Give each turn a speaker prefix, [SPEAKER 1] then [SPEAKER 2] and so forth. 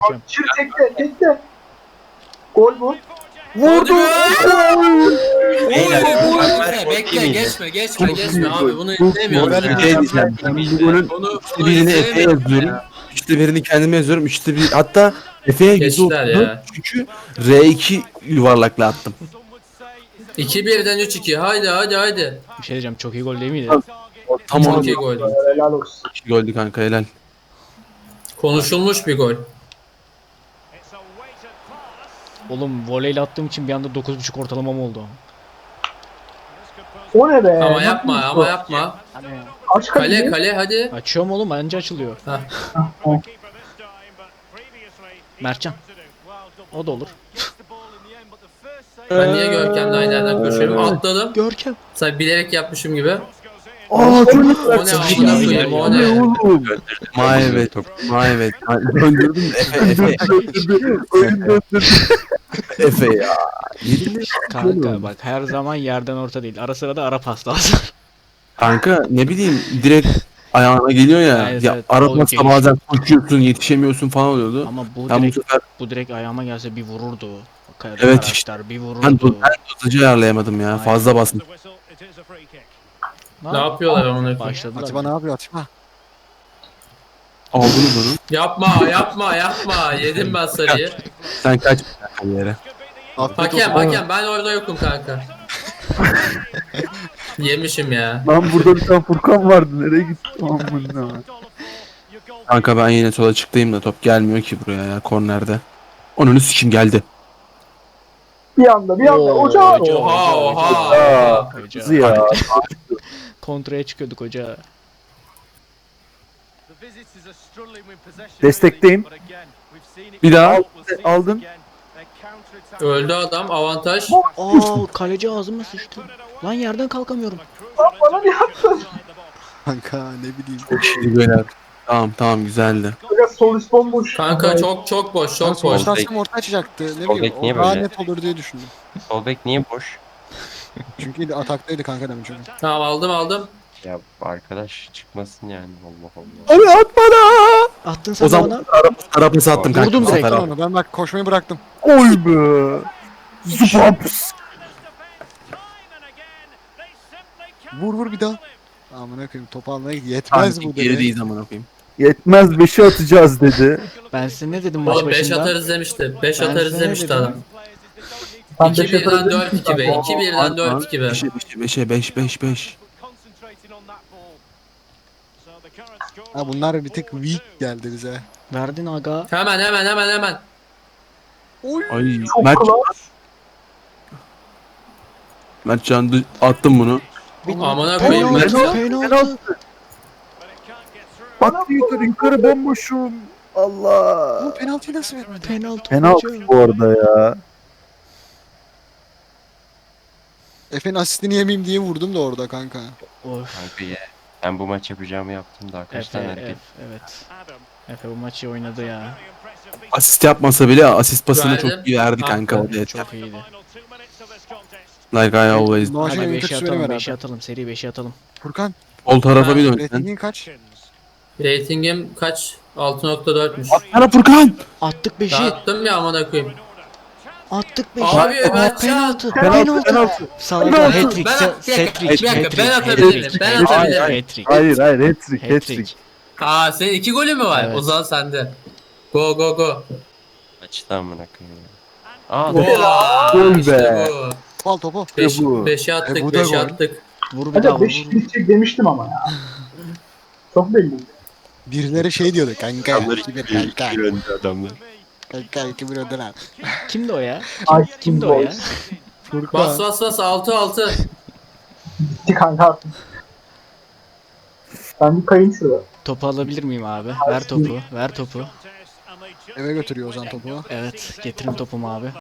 [SPEAKER 1] Çır tekte tekte. Gol bu.
[SPEAKER 2] Vurdu.
[SPEAKER 3] Beyler,
[SPEAKER 2] Bekle geçme abi bunu
[SPEAKER 3] Bu
[SPEAKER 2] izlemiyoruz
[SPEAKER 3] moral
[SPEAKER 2] ya.
[SPEAKER 3] bir şey diyeceğim. Ben bunun
[SPEAKER 2] Bunu
[SPEAKER 3] üçte birini Efe'ye
[SPEAKER 2] izlemiyoruz
[SPEAKER 3] yazıyorum. Üçte birini kendime yazıyorum. Üçte bir hatta Efe'ye
[SPEAKER 2] Geçtiler
[SPEAKER 3] %30
[SPEAKER 2] ya.
[SPEAKER 3] çünkü R2 yuvarlakla attım.
[SPEAKER 2] 2-1'den 3-2 haydi.
[SPEAKER 4] Bir şey diyeceğim, çok iyi gol değil miydi?
[SPEAKER 3] Tam
[SPEAKER 2] Çok
[SPEAKER 3] onu
[SPEAKER 2] iyi gol.
[SPEAKER 1] Helal olsun.
[SPEAKER 3] goldü kanka helal.
[SPEAKER 2] Konuşulmuş bir gol.
[SPEAKER 4] Oğlum voleyle attığım için bir anda 9.5 ortalamam oldu.
[SPEAKER 1] O ne be?
[SPEAKER 2] Ama
[SPEAKER 1] Nasıl
[SPEAKER 2] yapma
[SPEAKER 1] bir
[SPEAKER 2] ama
[SPEAKER 1] şey?
[SPEAKER 2] yapma.
[SPEAKER 1] Aç
[SPEAKER 2] Kale
[SPEAKER 1] kaleci.
[SPEAKER 2] kale hadi.
[SPEAKER 4] Açıyorum oğlum, anca açılıyor. Mertcan. O da olur.
[SPEAKER 2] Ben niye Görkem'le aynı yerden koşuyorum? Atladım.
[SPEAKER 4] Görkem.
[SPEAKER 2] Sen bilerek yapmışım gibi.
[SPEAKER 3] Aa çok
[SPEAKER 2] O ne amına koyayım o ne?
[SPEAKER 3] oğlum. Maevet. Maevet. Döndürdüm Efe. Oyun döndürdüm. Efe ya. Yedin mi?
[SPEAKER 4] Kanka bak, her zaman yerden orta değil. Ara sıra da ara pas lazım.
[SPEAKER 3] Kanka ne bileyim direkt ayağına geliyor ya.
[SPEAKER 4] Evet,
[SPEAKER 3] Ya
[SPEAKER 4] evet.
[SPEAKER 3] aratmazsa
[SPEAKER 4] O
[SPEAKER 3] bazen koşuyorsun yetişemiyorsun falan oluyordu.
[SPEAKER 4] Ama bu
[SPEAKER 3] Ben bu
[SPEAKER 4] direkt
[SPEAKER 3] sefer
[SPEAKER 4] direkt ayağıma gelse bir vururdu.
[SPEAKER 3] Evet
[SPEAKER 4] Karakter
[SPEAKER 3] işte.
[SPEAKER 4] bir
[SPEAKER 3] ben,
[SPEAKER 4] vururdu.
[SPEAKER 3] ben dozajı ayarlayamadım ya.
[SPEAKER 4] Aynen.
[SPEAKER 3] Fazla bastım.
[SPEAKER 2] Ne yapıyorlar amına koyayım?
[SPEAKER 4] Başladılar.
[SPEAKER 5] Atiba ne yapıyor Atiba?
[SPEAKER 3] Aldınız onu.
[SPEAKER 2] Yapma. Yedim ben sarıyı.
[SPEAKER 3] Sen kaç bir yere.
[SPEAKER 5] Afiyet olsun.
[SPEAKER 2] Hakem ben orada yokum kanka. Yemişim ya.
[SPEAKER 6] Lan burada bir tane Furkan vardı. Nereye gitti? Amına.
[SPEAKER 3] Kanka ben yine sola çıktayım da top gelmiyor ki buraya ya kornerde. Onun kim geldi.
[SPEAKER 1] Bir anda ocağı.
[SPEAKER 2] Oha.
[SPEAKER 6] Kızı ya.
[SPEAKER 4] Kontraya çıkıyorduk hoca.
[SPEAKER 6] Destekteyim.
[SPEAKER 3] Bir daha.
[SPEAKER 6] Aldın.
[SPEAKER 2] Öldü adam avantaj.
[SPEAKER 4] Aa, kaleci ağzıma sıçtı. Lan yerden kalkamıyorum.
[SPEAKER 1] Lan bana ne yaptın?
[SPEAKER 5] Kanka ne bileyim.
[SPEAKER 3] Çok iyi beyler. Tamam güzeldi.
[SPEAKER 1] Biraz sol üst bomboş.
[SPEAKER 2] Kanka çok boş
[SPEAKER 5] Ben
[SPEAKER 2] çok boş.
[SPEAKER 5] sonuçta aslında orta açacaktı. Ne
[SPEAKER 7] Sol
[SPEAKER 5] bileyim.
[SPEAKER 7] bek niye
[SPEAKER 5] O daha
[SPEAKER 7] böyle?
[SPEAKER 5] net olur diye düşündüm.
[SPEAKER 7] Sol bek niye boş?
[SPEAKER 5] Çünkü ataktaydı kanka demin çünkü.
[SPEAKER 2] Tamam aldım.
[SPEAKER 7] Ya arkadaş çıkmasın yani Allah Allah.
[SPEAKER 3] Abi at bana.
[SPEAKER 4] Attın sen
[SPEAKER 3] O
[SPEAKER 4] de bana.
[SPEAKER 3] zaman arabası attım kanka.
[SPEAKER 4] Vurdum
[SPEAKER 3] bu
[SPEAKER 4] direkt.
[SPEAKER 3] sefer
[SPEAKER 5] Bıraktım onu. Ben bak koşmayı bıraktım.
[SPEAKER 6] Oy be. Zupaps.
[SPEAKER 5] Vur bir daha. Amına koyayım topu almaya git. Yetmez
[SPEAKER 3] Kanka
[SPEAKER 5] bu
[SPEAKER 3] geri
[SPEAKER 5] dedi.
[SPEAKER 3] değil zaman okuyayım.
[SPEAKER 6] Yetmez 5'i atacağız dedi.
[SPEAKER 4] Ben size ne dedim maç
[SPEAKER 2] Oğlum 5
[SPEAKER 4] başında?
[SPEAKER 2] atarız demişti. 5
[SPEAKER 4] Ben
[SPEAKER 2] atarız
[SPEAKER 4] size ne
[SPEAKER 2] demişti
[SPEAKER 4] dedim?
[SPEAKER 2] adam.
[SPEAKER 1] Ben beş
[SPEAKER 2] 2-1'den
[SPEAKER 1] atarım
[SPEAKER 2] 4-2 be. 2-1'den 4-2 be.
[SPEAKER 3] 5'e 5.
[SPEAKER 5] Ha bunlar bir tık weak geldi bize.
[SPEAKER 4] Verdin aga.
[SPEAKER 2] Hemen.
[SPEAKER 3] Ay
[SPEAKER 1] Çok
[SPEAKER 3] Mert,
[SPEAKER 1] klas.
[SPEAKER 3] Mertcan attım bunu.
[SPEAKER 2] Amına koyayım
[SPEAKER 4] Penaltı,
[SPEAKER 2] ben.
[SPEAKER 4] penaltı.
[SPEAKER 6] Bak yukarı bomboşum. Allah.
[SPEAKER 5] Bu penaltıyı nasıl vermedi?
[SPEAKER 4] Penaltı.
[SPEAKER 6] Penaltı
[SPEAKER 4] hocam.
[SPEAKER 6] bu arada ya.
[SPEAKER 5] Efe'nin asistini yemeyeyim diye vurdum da orada kanka.
[SPEAKER 4] Of.
[SPEAKER 7] Kanka ya. Ben bu maç yapacağımı yaptım da kaç tane hareket.
[SPEAKER 4] Evet. Efe bu maçı oynadı ya.
[SPEAKER 3] Asist yapmasa bile asist pasını
[SPEAKER 2] Verdim.
[SPEAKER 3] çok iyi verdi kanka.
[SPEAKER 2] Aferin,
[SPEAKER 3] O da yeter.
[SPEAKER 4] Çok iyiydi.
[SPEAKER 3] Like I always.
[SPEAKER 5] Maçın
[SPEAKER 4] Hadi
[SPEAKER 5] en
[SPEAKER 4] 5'i
[SPEAKER 5] kötüsü
[SPEAKER 4] atalım,
[SPEAKER 5] benim
[SPEAKER 4] 5'i
[SPEAKER 5] herhalde.
[SPEAKER 4] atalım, seri 5'i atalım.
[SPEAKER 5] Furkan.
[SPEAKER 3] Sol tarafa bir dön sen.
[SPEAKER 5] Ratingin kaç?
[SPEAKER 2] Ratingim kaç? 6.4'müş.
[SPEAKER 3] Sana Furkan.
[SPEAKER 4] Attık 5'i.
[SPEAKER 2] Dağıttım ya amına koyayım.
[SPEAKER 4] Attık 5'i.
[SPEAKER 2] Abi Mertcan.
[SPEAKER 4] Penaltı.
[SPEAKER 6] Penaltı.
[SPEAKER 4] Penaltı. Salak
[SPEAKER 6] Penaltı.
[SPEAKER 4] hat-trick.
[SPEAKER 2] Bir dakika ben atabilirim. Ben atabilirim.
[SPEAKER 4] Hat-trick.
[SPEAKER 6] Hayır hat-trick.
[SPEAKER 4] Hat-trick.
[SPEAKER 2] Aa senin 2 golü mü var?
[SPEAKER 4] Evet.
[SPEAKER 2] O zaman sende. Go.
[SPEAKER 7] Açtı amına koyayım. Aa
[SPEAKER 6] Gol
[SPEAKER 2] İşte
[SPEAKER 6] be.
[SPEAKER 2] bu.
[SPEAKER 5] Al topu.
[SPEAKER 2] 5'i attık,
[SPEAKER 5] bu da
[SPEAKER 2] 5'i
[SPEAKER 5] gol.
[SPEAKER 2] attık.
[SPEAKER 4] Vur bir daha
[SPEAKER 1] Hadi
[SPEAKER 4] vur.
[SPEAKER 1] 5 bitecek demiştim ama ya. Çok belli.
[SPEAKER 5] Birileri şey diyordu kanka.
[SPEAKER 7] adamlar
[SPEAKER 5] 2-1 kanka.
[SPEAKER 7] 2 önde adamlar.
[SPEAKER 5] Kanka 2-1 önden.
[SPEAKER 4] Kimdi o ya?
[SPEAKER 1] Ay
[SPEAKER 4] Kimdi o ya?
[SPEAKER 2] Bas
[SPEAKER 5] Furkan.
[SPEAKER 2] bas 6.
[SPEAKER 1] Bitti kanka artık. Ben bir kayayım şuraya.
[SPEAKER 4] Topu alabilir miyim abi? Ver topu. Ver topu.
[SPEAKER 5] Eve götürüyor Ozan topu.
[SPEAKER 4] Evet, getirin topumu abi.